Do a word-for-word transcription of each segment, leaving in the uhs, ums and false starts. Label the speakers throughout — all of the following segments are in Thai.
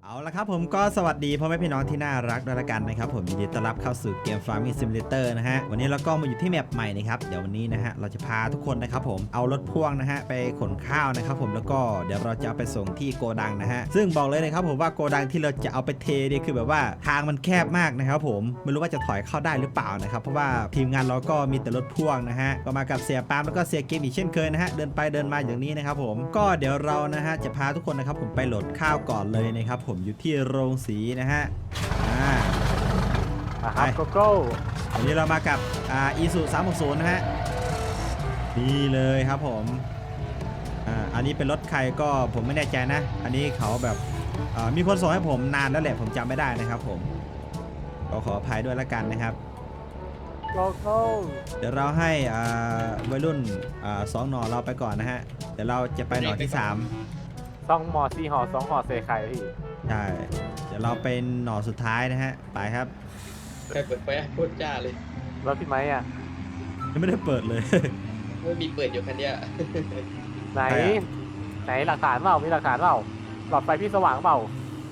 Speaker 1: เอาละครับผมก็สวัสดีพ่อแม่พี่น้องที่น่ารักด้วยละกันนะครับผมยินดีต้อนรับเข้าสู่เกม Farming Simulator นะฮะวันนี้เราก็มาอยู่ที่แมปใหม่นะครับเดี๋ยววันนี้นะฮะเราจะพาทุกคนนะครับผมเอารถพ่วงนะฮะไปขนข้าวนะครับผมแล้วก็เดี๋ยวเราจะเอาไปส่งที่โกดังนะฮะซึ่งบอกเลยนะครับผมว่าโกดังที่เราจะเอาไปเทเนี่ยคือแบบว่าทางมันแคบมากนะครับผมไม่รู้ว่าจะถอยเข้าได้หรือเปล่านะครับเพราะว่าทีมงานเราก็มีแต่รถพ่วงนะฮะก็มากับเสียปาล์มแล้วก็เสียเกมอีกเช่นเคยนะฮะเดินไปเดินมาอย่างนี้นะครับผมก็เดี๋ยวเรานะฮะจะพาทุกคนนะครับผมไปโหลดข้าวก่อนเลยนะครับผมอยู่ที่โรงสีนะฮะอ่า
Speaker 2: ครับโกโก้
Speaker 1: วันนี้เรามากับอ่าอีซูสามหกศูนย์นะฮะนี่เลยครับผมอ่าอันนี้เป็นรถใครก็ผมไม่แน่ใจนะอันนี้เขาแบบมีคนส่งให้ผมนานแล้วแหละผมจำไม่ได้นะครับผมก็ขออภัยด้วยละกันนะครับ
Speaker 2: โกโก้
Speaker 1: เดี๋ยวเราให้อ่าวัยรุ่นอ่าสองหน่อเราไปก่อนนะฮะเดี๋ยวเราจะไปหน่อที่สาม
Speaker 2: สองหมอสี่ห่อสองห่อเซไข่พี่
Speaker 1: ใช่เดี๋ยวเราเป็นหน่อสุดท้ายนะฮะไปครับ
Speaker 3: ใครเปิดไฟโคตรจ้าเลย
Speaker 2: แล้วพี่ไม้อ่ะ
Speaker 1: ยังไม่ได้เปิดเลย
Speaker 3: ไม่มีเปิดอยู่คันเนี้ย
Speaker 2: ไหนไหนหลักฐานเปล่ามีหลักฐานเปล่าหลอดไฟพี่สว่างเปล่า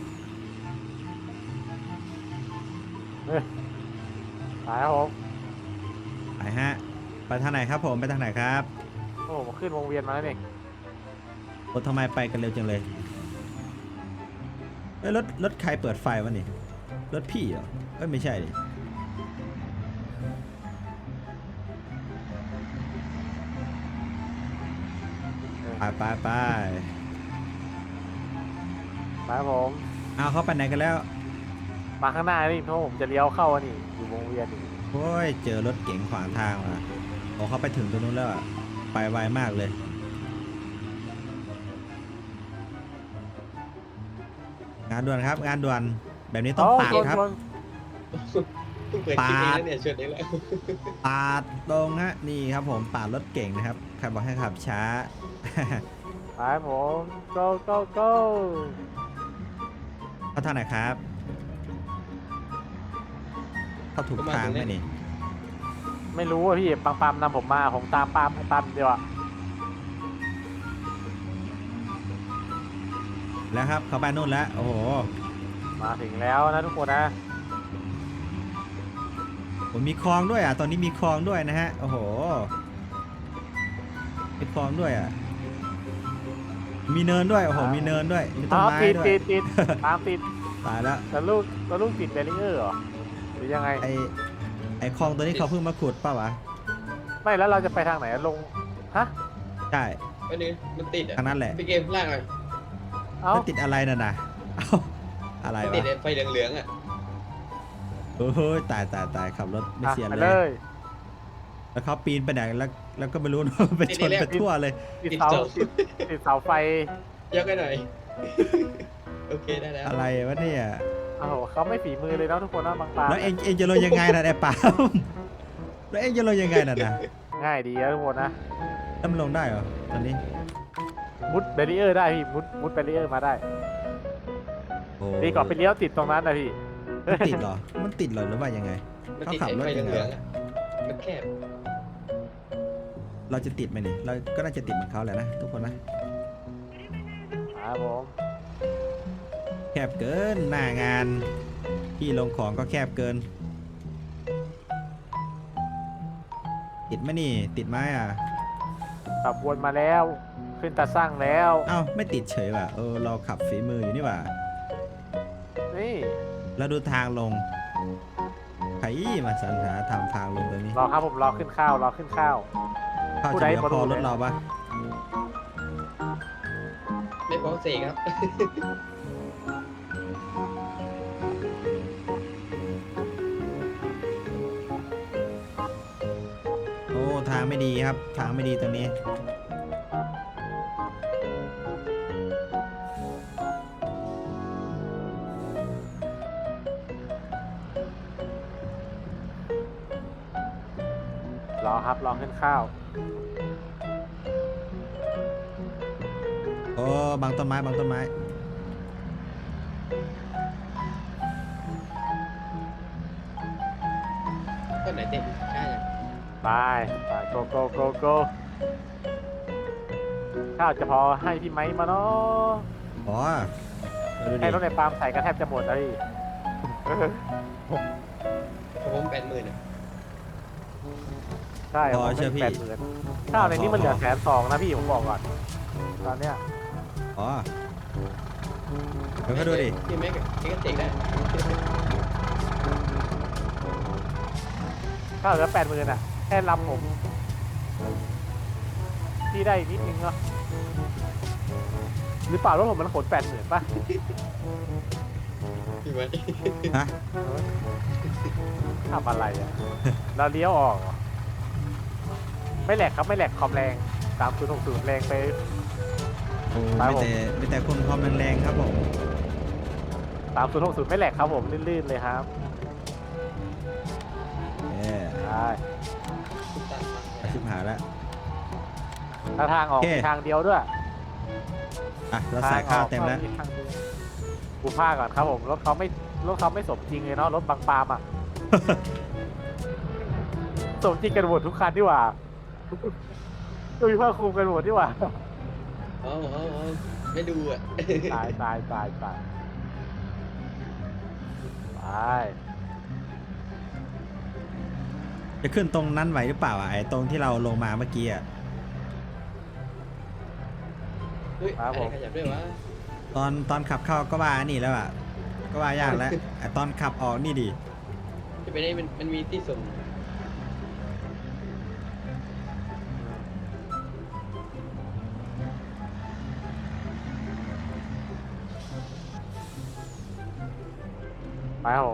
Speaker 2: เฮ้ยไปครับผม
Speaker 1: ไปฮะไปทางไหนครับผมไปทางไหนครับ
Speaker 2: โอ้ขึ้นวงเวียนมาแล้วนี่
Speaker 1: รถทำไมไปกันเร็วจังเลยเอ้ยรถรถใครเปิดไฟวะนี่รถพี่เหรอเอ้ยไม่ใช่ดิไปไปไป
Speaker 2: ไปครับผม
Speaker 1: เอาเขาไปไหนกันแล้ว
Speaker 2: มาข้างหน้านี่เพราะผมจะเลี้ยวเข้าอันนี้อยู่วงเวียนนี่
Speaker 1: โอ้ยเจอรถเก๋งขวางทางว่ะโอ้เขาไปถึงตรงนู้นแล้วอะไปไวมากเลยงานด่วนครับงานด่วนแบบนี้ต้องปาดครับ
Speaker 3: ปาดเนี่ยชนนี้แหละ
Speaker 1: ปาดตรงฮะนี่ครับผมปาดรถเก่งนะครับใครบอกให้ขับช้า
Speaker 2: ไปผม go go go
Speaker 1: เข้าทางไหนครับเข้าถูกทางไหมนี่
Speaker 2: ไม่รู้อ่ะพี่ปังปามนำผมมาผมตามปามปามเดียวอ่ะ
Speaker 1: แล้วครับเข้าไปนู่นแล้วโอ้โห
Speaker 2: มาถึงแล้วนะทุกคนนะ
Speaker 1: ผมมีคลองด้วยอ่ะตอนนี้มีคลองด้วยนะฮะโอ้โหมีคลองด้วยอ่ะมีเนินด้วยโอ้โหมีเนินด้วยมีต้นไม้ด้วย
Speaker 2: ติดติดตามติด
Speaker 1: ตายแล้ว
Speaker 2: แล้วลูกแล้วลูกติดแบรีเออร์เหรอหรือยังไง
Speaker 1: ไอไอคลองตัวนี้เขาเพิ่งมาขุดป่าววะ
Speaker 2: ไม่แล้วเราจะไปทางไหนลงฮะ
Speaker 1: ใช่
Speaker 3: อันนี้มันติดอ่ะ
Speaker 1: ทางนั้นแหละ
Speaker 3: พี่เกมล่างเลย
Speaker 1: มันติดอะไรน่ะนะเอาอะไรวะ
Speaker 3: ติดไฟเหลืองๆอ่ะ
Speaker 1: โอ้ยตายตายตายขับรถไม่เสียเลยแล้วเขาปีนไปไหนแล้วแล้วก็ไม่รู้ไปชนไปทั่วเลย
Speaker 2: ติดเสาติดเสาไฟ
Speaker 3: ยกให้หน่อยโอเคได้แล้ว
Speaker 1: อะไรวะเนี่ย
Speaker 2: โอ้โหเขาไม่ฝีมือเลยนะทุกคนนะบางปา
Speaker 1: แล้วเองเองจะลงยังไงนะไอ้ป๋าแล้วเองจะลงยังไงน่ะนะ
Speaker 2: ง่ายดีนะทุกคนนะ
Speaker 1: แล้วมันลงได้เหรอตอนนี้
Speaker 2: มุดแบรีเออร์ได้พี่มุดมุดแบรีเออร์มาได้ดีกว่าไปเลี้ยวติดตรงนั้นนะพี่
Speaker 1: มันติดเหรอมันติดเหรอหรือว่ายังไงเขาขับรถยังไง
Speaker 3: มันแคบ
Speaker 1: เราจะติดไหมนี่เราก็น่าจะติดเหมือนเขาแหละนะทุกคน
Speaker 2: นะครับผม
Speaker 1: แคบเกินหน้างานที่ลงของก็แคบเกินติดไหมนี่ติดไหมอ่ะ
Speaker 2: ขับวนมาแล้วขึ้นตาสร้างแล้ว
Speaker 1: เอ้าไม่ติดเฉยว่ะเออเราขับฝีมืออยู่นี่ว่ะ
Speaker 2: นี่
Speaker 1: เราดูทางลงใครมาสรรหาทำทางลงตรงนี้
Speaker 2: รอครับผมรอขึ้นข้าวรอขึ้นข้าว
Speaker 1: ข้าวจะเหลือพอรถเราปะ
Speaker 3: ไม่พอเสกครับ
Speaker 1: โอ้ทางไม่ดีครับทางไม่ดีตรงนี้
Speaker 2: รอครับรอขึ้นข้าว
Speaker 1: โอ้บางต้นไม้บางต้นไม้
Speaker 3: ต้นไหนเต็มใช่
Speaker 2: ไปไปโกโกโกโกข้าวจะพอให้พี่ไม้มาเนาะ
Speaker 1: อ๋อ โดูดิ
Speaker 2: ให้รถในปาล์มใส่ก็แทบจะหมดแล้วพี่
Speaker 3: ผมแปดหมื่นอ่ะ
Speaker 2: ใช่ผมเป็นแปดหมื่นข้าวในนี้มันเหลือแสนสองนะพี่ผมบอกก่อนตอนเนี้ย
Speaker 1: อ๋อเดี๋ยวก็ดูดิ
Speaker 3: พี่แม็กพี่ก็เตะได้
Speaker 2: ข้าวเหลือแปดหมื่นอ่ะแค่ลำผมพี่ได้อีกนิดนึงเนาะหรือเปล่ารถผมมันขนแปดหมื่นป่ะ
Speaker 3: พี่แม็ก
Speaker 1: ฮะ
Speaker 2: ทำอะไรอ่ะ เราเลี้ยวออกเหรอไม่แหลกครับไม่แหลกคอมแรงสามศูนย์หกศูนย์แรงไป
Speaker 1: โอ้
Speaker 2: ครับ
Speaker 1: ไม่
Speaker 2: ผม
Speaker 1: แต่ไม่แต่คนความแรงๆครับผม
Speaker 2: สามศูนย์หกศูนย์ไม่แหลกครับผมลื่นๆเลยครับ
Speaker 1: เออ
Speaker 2: ใช่
Speaker 1: อาชิบหายแล้ว
Speaker 2: ถ้าทางออก
Speaker 1: โอเค
Speaker 2: มีทางเดียวด้วย
Speaker 1: อ่ะเราใส่ข้าวเต็มแล้ว
Speaker 2: ทางออกก็ทางเดียวกูพาก่อนครับผมรถเขาไม่รถเขาไม่สมจริงเลยเนาะรถบางปามอ่ะ สมจริงกันหมดทุกคันดีกว่าดูผ้าคลุมกันหมดดีกว่า
Speaker 3: อ๋ออ๋ออ๋อไม่ดูอ่ะ
Speaker 2: ตายตายตายตายตาย
Speaker 1: จะขึ้นตรงนั้นไหวหรือเปล่าอ่ะไอ้ตรงที่เราลงมาเมื่อกี้อ่ะ
Speaker 3: เฮ้ยอะไรขยับด้วยวะ
Speaker 1: ตอนตอนขับเข้าก็ว่านี่แล้วอ่ะก็ว่ายากแล้วไอ้ตอนขับออกนี่ดิ
Speaker 3: จะไปได้มันมันมีที่ส่ง
Speaker 2: ไปครับผม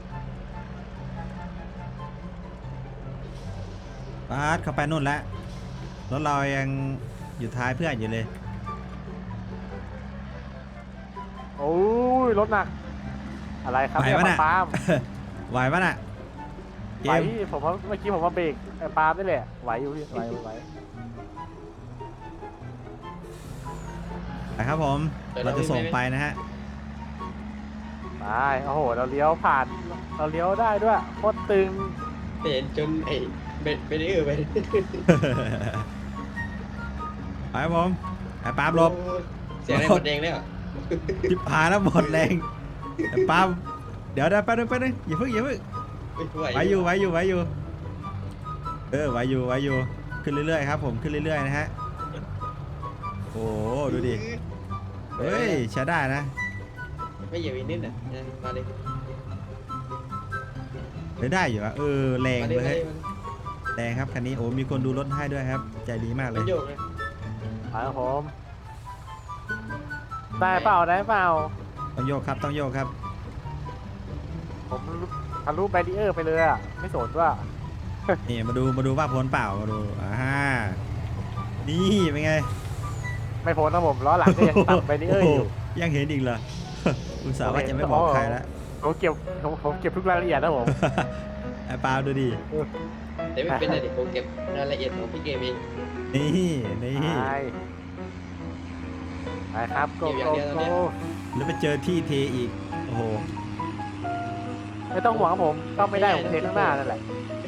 Speaker 1: ปาดเข้าไปนู่นแล้วรถเรายังอยู่ท้ายเพื่อนอยู่เลย
Speaker 2: โอ้ยรถหนัก อะไรครับ
Speaker 1: ไหว
Speaker 2: เนี่ย
Speaker 1: ปะน่ะ
Speaker 2: ปาล์ม
Speaker 1: ไหวปะน่ะเก
Speaker 2: ไหว
Speaker 1: ม
Speaker 2: พี่ผมว่าเมื่อกี้ผมมาเบรกไอ้ปาล์มนี่แหละไหวอยู่พี่ไหวไหว
Speaker 1: ไปครับผมเราจะส่งไปนะฮะ
Speaker 2: ไปโอ้โหเราเลี้ยวผ่านเราเลี้ยวได้ด้วยโคตรตึง
Speaker 3: เห็นจนไอ้เบ็ดเบ็ดเออไป
Speaker 1: ไปครับผมไอ้ปาล์มหลบ
Speaker 3: เสียงอะไรหมดแดงแล้ว
Speaker 1: จิบหายแล้วหมดแรงไอ้ปาล์มเดี๋ยวเดี๋ยวไปบนึงไปบนึงอย่าเพิ่งอย่าเพิ่งไหวอยู่ไหวอยู่ไหวอยู่เออไหวอยู่ไหวอยู่ขึ้นเรื่อยๆครับผมขึ้นเรื่อยๆนะฮะโอ้โหดูดิเฮ้ยใช้ได้นะ
Speaker 3: ไม่เหยียบอีกนิดอ่ะมาเลย
Speaker 1: เฮ้ยได้อยู่อะเออแรง
Speaker 3: มาเล
Speaker 1: เลย ย
Speaker 3: มาเล
Speaker 1: เฮ้
Speaker 3: ย
Speaker 1: ยแรงครับคันนี้โอ้มีคนดูรถให้ด้วยครับใจดีมากเล
Speaker 3: มัน
Speaker 1: ย
Speaker 3: โยกเลย
Speaker 2: ไปครับผมได้เปล่าได้เปล่า
Speaker 1: ต้องโยกครับต้องโยกครับ
Speaker 2: ผมทะลุแบรีเออร์ไปเลยอ่ะไม่สนว่า
Speaker 1: นี่มาดูมาดูว่าพ้นเปล่ามาดูอ่านี่เป็นไง
Speaker 2: ไม่พ้นนะผมล้อหลังก็ยังตัดแบรีเออร์อยู่
Speaker 1: โโหยังเห็นอีกเหรอ อุตส่าห์ว่าจะไม่บอกใครแล้ว
Speaker 2: ผมเก็บผมผมเก็บทุกรายละเอียดนะผม
Speaker 1: ไอ้ปาล์มดูดิ
Speaker 3: แต่ไม่เป็นไรเดี๋ยวผมเก็บรายละเอียดของพี่เกมเอง
Speaker 1: นี่นี่
Speaker 2: ไปไปครับโก
Speaker 3: เก็บอย่าง
Speaker 2: โก
Speaker 3: เดียวตอนเนี้
Speaker 2: โก
Speaker 3: ย
Speaker 1: แล้วไปเจอที่เทอีกโอ้โห
Speaker 2: ไม่ต้องห่วงครับผมก็ไม่ได้ผมเทข้างหน้านั่นแหละ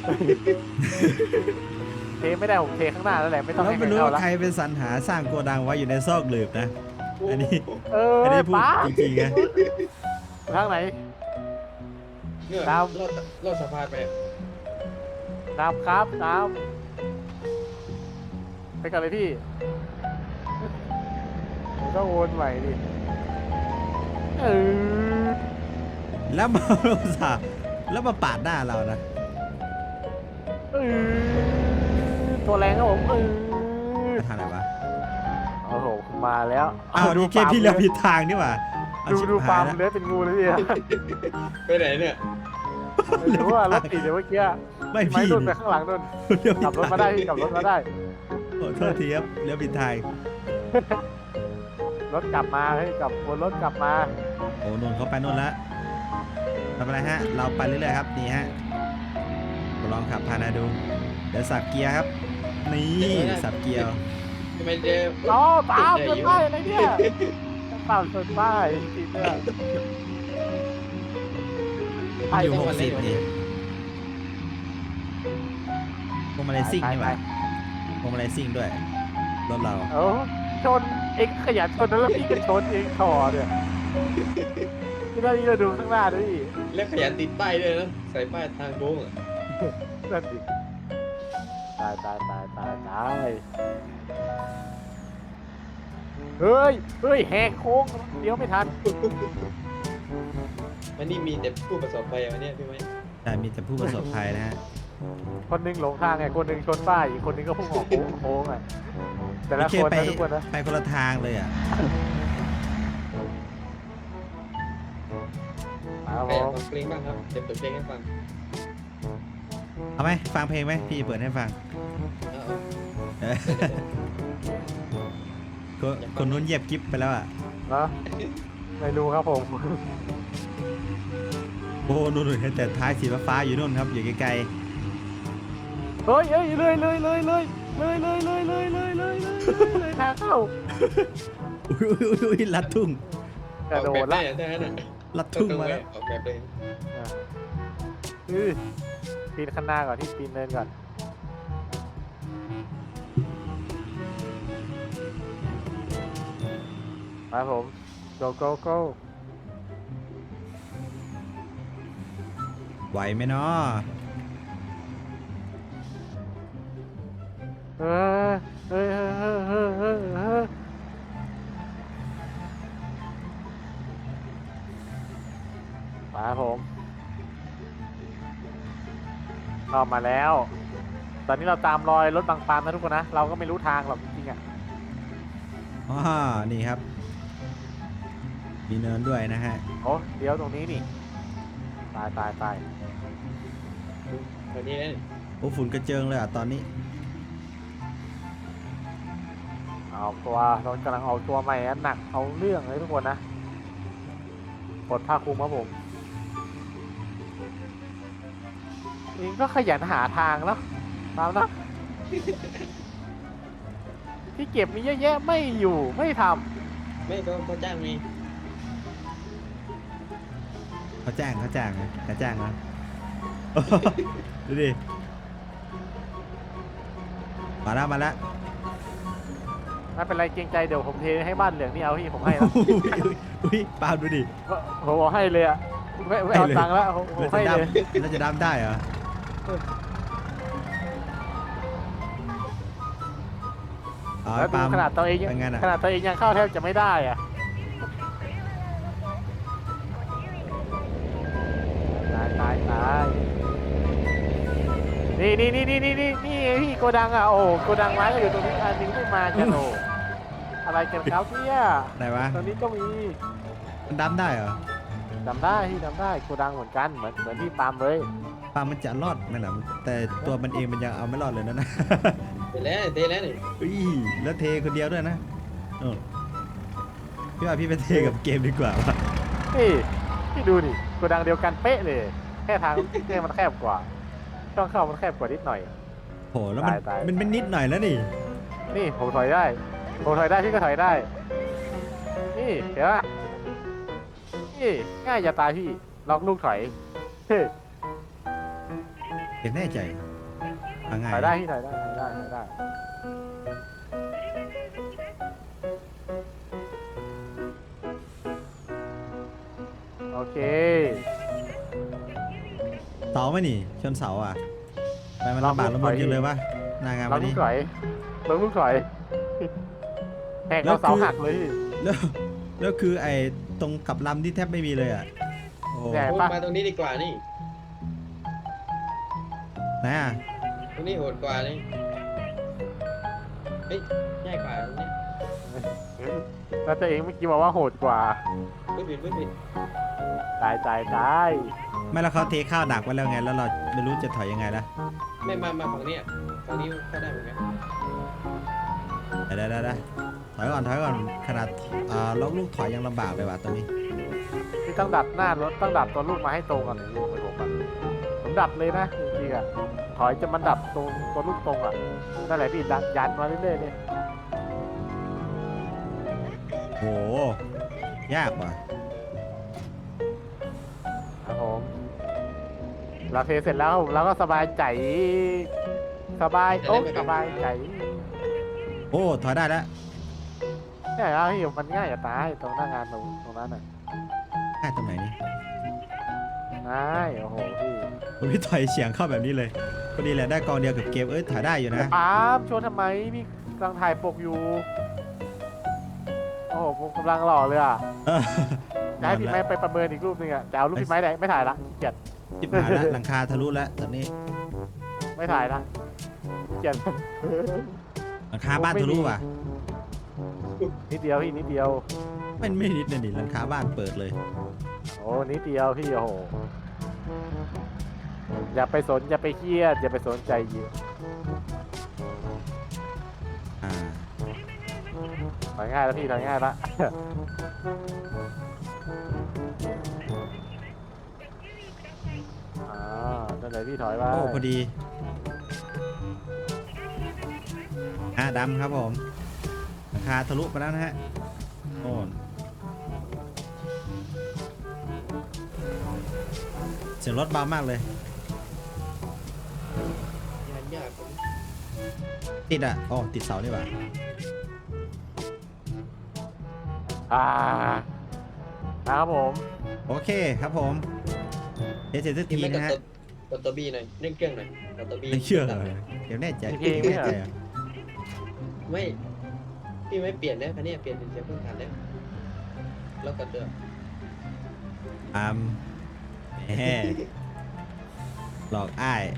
Speaker 2: เทไม่ได้ผมเทข้างหน้านั่นแหละไม่ต้อง
Speaker 1: แล้ว
Speaker 2: ให้
Speaker 1: ไม่
Speaker 2: ใคร
Speaker 1: รู้
Speaker 2: เข้า
Speaker 1: ว่า
Speaker 2: ละ
Speaker 1: ใครเป็นสรรหาสร้างโกดังไว้อยู่ในซอกหลืบนะ อันนี้
Speaker 2: เออ
Speaker 1: อันนี้พูด
Speaker 2: ป้า
Speaker 1: จริงๆไง
Speaker 2: ทางไหน
Speaker 3: เนี่ย
Speaker 2: ตาม
Speaker 3: รอดรอดสะพานไป
Speaker 2: ตามครับตามไปกันเลยพี่ผมก็โอนใหม่ดิเออ
Speaker 1: แล้วมาอุตส่าห์แล้วมาปาดหน้าเรานะ
Speaker 2: เออตัวแรงครับผมเออ
Speaker 1: ทางไหนวะ
Speaker 2: โอ้โหมาแล้ว
Speaker 1: อ้าวนี่แค่พี่เลี้ยวผิดทางนี่หว่าเอา
Speaker 2: ดู
Speaker 1: ชิบ
Speaker 2: ดู
Speaker 1: หา
Speaker 2: ฟาย ร์ม
Speaker 1: แล้ว
Speaker 2: เลื้อยเป็นงูเลยพี่
Speaker 3: ไปไหนเนี่ย
Speaker 2: หรือว่ารถติดเดี๋ยวเมื่อกี้
Speaker 1: ไม่
Speaker 2: ไม่
Speaker 1: พี่
Speaker 2: นุ่นไปข้างหลังนุ่น
Speaker 1: เลี้ยวผิ
Speaker 2: ขับรถมาได้พี่ขับรถมาได้
Speaker 1: ขอโทษทีครับเลี้ยวผิดทาง
Speaker 2: รถกลับมาเฮ้ยกลับวนรถกลับมา
Speaker 1: โอ้นนท์เขาไปนู่นแล้วทำอะไรฮะ เราไปเรื่อยๆครับนี่ฮะลองขับพานาดู เดี๋ยวสับเกียร์ครับ นี่สับเกียร์
Speaker 3: ทำไมเจอ
Speaker 2: อ๋อตามชนป้ายอะไรเนี่ยตามชนป้ายจริงๆเนี่ย
Speaker 1: มันอยู่หกสิบนี่พวงมาลัยซิ่งนี่หว่าพวงมาลัยซิ่งด้วย รถเรา
Speaker 2: เออชนเองขยันชนแล้วพี่ก็ชนเองถอเนี่ยพี่นั่นนี่ก็ดูข้างหน้าด้วยดิ
Speaker 3: แล้วขยันติดป้ายด้วยนะใส่ป้ายทางโค้งอ่ะ
Speaker 2: นั่นดิตายตายตายตายตายเฮ้ยเฮ้ยแหกโค้งเดี๋ยวไม่ทัน
Speaker 3: วันนี้มีแต่ผู้ประสบภัยวันนี้พี่ไหม
Speaker 1: แต่มีแต่ผู้ประสบภัยนะฮะ
Speaker 2: คนหนึงหลงทางไงคนหนึงชนป้ายอีกคนหนึงก็พุ่งออกโค้งโค้งอ่ะแต่ละ
Speaker 1: โอเค
Speaker 2: คน
Speaker 1: ไป
Speaker 2: นะทุกคนนะ
Speaker 1: ไปคนละทางเลยอ่ะ
Speaker 2: มาครับ
Speaker 3: ใคร
Speaker 2: ผ
Speaker 3: อยาก
Speaker 2: ม
Speaker 3: ฟังเพลงบ้างครับเดี๋ยวเปิดเพลงให้ฟัง
Speaker 1: เอาไหมฟังเพลงไหมพี่เปิดให้ฟัง
Speaker 3: เอา
Speaker 1: เออคนคนนู้นเหยียบกิ๊บไปแล้วอ่ะ
Speaker 2: เนาะไม่รู้ครับผม
Speaker 1: โอ้นู่นๆเห็นแต่ท้ายสีฟ้าๆอยู่นู่นครับอยู่ไกล
Speaker 2: เฮ้ยเฮ้ยเลยเลยเลยเลยเลยเลยเลยเลยเลยเลยเลยเลยทางเข้า
Speaker 1: ๆอุ้ยอุ้ยอุ้ยอุ้ยลัดทุ่ง
Speaker 2: กระโด
Speaker 3: ออก
Speaker 2: ด
Speaker 3: แบบ
Speaker 2: ละ
Speaker 3: ได้ได้นะ
Speaker 1: ลัดทุ่ง
Speaker 3: ตรง
Speaker 1: มา
Speaker 3: ๆเล
Speaker 1: แล้
Speaker 3: ยว ออกแบบเลย
Speaker 2: อ่ะอือปีนข้างหน้าก่อนที่ปีนเนินก่อนมาผม go go go
Speaker 1: ไหวไหมเนาะ
Speaker 2: เออเออเออเออเออเออมาผมเรามาแล้ว ตอนนี้เราตามรอยรถบางปามนะทุกคนนะ เราก็ไม่รู้ทางหรอกจริงๆอ่ะ
Speaker 1: อ๋อนี่ครับ มีเนินด้วยนะฮะ
Speaker 2: โอ้เดี๋ยวตรงนี้นี่ ตายตายตาย
Speaker 3: ตอนนี้นะ
Speaker 1: โอ้ฝุ่นกระเจิงเลยอ่ะตอนนี้
Speaker 2: เอาตัวเรากำลังเอาตัวใหม่อันหนักเอาเรื่องเลยทุกคนนะกดผ้าคลุมครับผมเองก็ขยันหาทางแล้วตามนะ ที่เก็บมีเยอะแยะไม่อยู่ไม่ท
Speaker 3: ไม่ก็เขาจ้างมี
Speaker 1: เขาจ้างเขาจ้างนะเขาจ้างนะ ดูดิ มาแล้วมาแล้ว
Speaker 2: ำไม่เป็นไรเกรงใจเดี๋ยวผมเทให้บ้านเหลืองนี่เอาที่ผมให้แล้ว
Speaker 1: อุ้ยอุ้ยอุ้ยปาล์มดูดิ
Speaker 2: ผมบอกให้เลยอะไม่ไม่เอา
Speaker 1: ให้เลย
Speaker 2: ตังค์แล้วผมผม
Speaker 1: เรา
Speaker 2: ให้
Speaker 1: จะ
Speaker 2: เลย
Speaker 1: ดำเราจะดำได้เหรอเอา
Speaker 2: แล้ว
Speaker 1: ไอ้
Speaker 2: ดู
Speaker 1: ปาล์ม
Speaker 2: ขนาดตัวเองยัง
Speaker 1: เป็นไงน่ะ
Speaker 2: ขนาดตัวเองยังเข้าแทบจะไม่ได้อะตายตายตายนี่นี่นี่นี่นี่นี่นี่พี่โกดังอ่ะโอ้โกดังไม้ก็อยู่ตรงนี้อันนึงไม่มากันโอ้อะไรกันครับเนี่ย
Speaker 1: ไหนวะ
Speaker 2: ตรงนี้ก็มี
Speaker 1: มันดำได้เหรอ
Speaker 2: จำได้ที่จำได้โกดังเหมือนกันเหมือนเหมือนที่ปาล์มเลย
Speaker 1: ปาล์มมันจะรอดไหมล่ะแต่ตัวมันเองมันยังเอาไม่รอดเลยนะ นะ
Speaker 3: เสร็จแล้วเทแล้วนี่
Speaker 1: อุ้ยแล้วเทคนเดียวด้วยนะโน่นพี่ว่าพี่ไปเทกับเกมดีกว่าวะ
Speaker 2: นี่พี่ดูนี่โกดังเดียวกันเป๊ะเลย แค่ทางแค่มันแคบกว่าช่องเข้ามันแคบกว่านิดหน่อย
Speaker 1: โหแล้วมัน
Speaker 2: ตายตาย
Speaker 1: มันเป็นนิดหน่อยแล้วนี่
Speaker 2: นี่ผมถอยได้ ผมถอยได้พี่ก็ถอยได้ นี่เห็นปะนี่ง่ายจะตายพี่ล็อกลูกถอยเฮ้ย
Speaker 1: เห็นแน่ใจเอาง่าย
Speaker 2: ถอยได้พี่ถอยได้ถอยได้ถอยได้โอเค
Speaker 1: เสาไหมนี่ชนเสาอ่ะไปมัน
Speaker 2: ลอง
Speaker 1: ลำบาก
Speaker 2: ลู
Speaker 1: ลำ
Speaker 2: ก
Speaker 1: บ
Speaker 2: ถอน ย
Speaker 1: จังเลยวะหนางาน
Speaker 2: ล็อ
Speaker 1: วั
Speaker 2: ก
Speaker 1: น
Speaker 2: ลู
Speaker 1: นี้
Speaker 2: กถอยล็อกลูกถอยแหกเอาเสาหักเลยพี่
Speaker 1: แล้วแล้วคือไอ้ตรงกับลำที่แทบไม่มีเลยอ่ะโอ้
Speaker 2: แหน่
Speaker 3: โอ้
Speaker 2: ปะ
Speaker 3: มาตรงนี้ดีกว่านี่
Speaker 1: ไหนอ่ะ
Speaker 3: ตรงนี้โหดกว่านี่เฮ้ยง่ายกว่าตรงนี้
Speaker 2: แล้วตัวเองเมื่อกี้บอกว่าโหดกว่า
Speaker 3: ไม่ผิดไม่ผิด
Speaker 2: ตายตายตาย
Speaker 1: ไม่แล้วเขาเทข้าวดักไว้แล้วไงแล้วเราไม่รู้จะถอยยังไงละ
Speaker 3: ไม่มามาฝั่งนี้อ่ะฝั่งนี้ก็ได้เหมือนกัน
Speaker 1: ได้ได้ได้ถอยก่อนถอยก่อนขนาดอ่าล็อกลูกถอยยังลำบากเลยว่ะตอนนี้
Speaker 2: พี่ต้องดัดหน้ารถต้องดัดตัวลูกมาให้ตรงกันถึงลูกเหมือนผมอะผมดัดเลยนะจริงๆอะถอยจะมันดัดตรงตัวลูกตรงอะนั่นแหละพี่ดันยันมาเรื่อยๆเลย
Speaker 1: โหยากว่ะ
Speaker 2: ครับผมเราเทเสร็จแล้วเราก็สบายใจ สบายโอ้สบายใจ
Speaker 1: โอ้ถอยได้แล้ว
Speaker 2: เนี่ยแล้วพี่มันง่ายจะตายตรงหน้างานตรงตรงนั้นน่ะ
Speaker 1: ได้ตรงไหนนี่
Speaker 2: ง่ายโอ้โหพี่
Speaker 1: ผมพี่ถอยเฉียงเข้าแบบนี้เลยพอดีแหละได้กองเดียวกับเกมเอ้ยถ่ายได้อยู่นะ
Speaker 2: ปาล์มชวนทำไมพี่กำลังถ่ายปกอยู่โอ้โหผมกำลังหล่อเลยอ่ะ
Speaker 1: เออ
Speaker 2: จะให้พี่ไม้ไปประเมินอีกรูปหนึงอ่ะแต่เอารูปพี่ไม้ได้ไม่ถ่ายละเกลียด
Speaker 1: จิบหายแล้วหลังคาทะลุแล้วตอนนี้
Speaker 2: ไม่ถ่ายละเกลียด
Speaker 1: หลังคาบ้านทะลุว่ะ
Speaker 2: นิดเดียวพี่นิดเดียว
Speaker 1: ไม่ไม่นิดนะดิหลังคาบ้านเปิดเลย
Speaker 2: โอ้นิดเดียวพี่โอ้โหอย่าไปสนอย่าไปเครียดอย่าไปสนใจเยอะ
Speaker 1: อ่า
Speaker 2: ถอยง่ายแล้วพี่ถอยง่ายละ อ่านั่นเลยพี่ถอยไป
Speaker 1: โอ้พอดีอ่ะดำครับผมหลังคาทะลุไปแล้วนะฮะโน่นเสียงรถเบามากเลย
Speaker 3: งานยาก
Speaker 1: ติดอ่ะอ๋อติดเสานี่หว่า
Speaker 2: อ่านะครับผม
Speaker 1: โอเคครับผมเดี๋ยวเสร็จสัก
Speaker 3: นี่
Speaker 1: ที
Speaker 3: ไม่กด
Speaker 1: นะฮะ
Speaker 3: ตัวกดตัวบีหน่อยเร่งเครื่องหน่อยกดตัวบี
Speaker 1: ไม่เชื่อเลยเดี๋ยวแน่ใจ
Speaker 2: มีเพลงไหม
Speaker 1: แน่
Speaker 2: เหรอ
Speaker 1: ใจอ่ะ
Speaker 3: ไม่พี่ไม่เปลี่ยนนะคันนี้เปลี่ยนเป็นเสียงพื้นฐานแล้วแล้วกดเดิม
Speaker 1: อามแหมหลอกอ้าย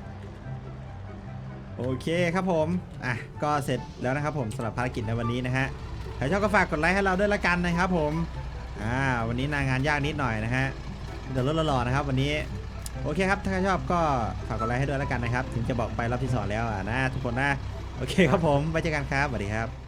Speaker 1: โอเคครับผมอ่ะก็เสร็จแล้วนะครับผมสำหรับภารกิจในวันนี้นะฮะใครชอบก็ฝากกดไลค์ให้เราด้วยละกันนะครับผมอ่าวันนี้นางานยากนิดหน่อยนะฮะเดี๋ยวรถหล่อๆนะครับวันนี้โอเคครับถ้าใครชอบก็ฝากกดไลค์ให้ด้วยละกันนะครับถึงจะบอกไปรอบที่สองแล้วอ่ะนะทุกคนนะโอเคครับผมไว้เจอกันครับสวัสดีครับ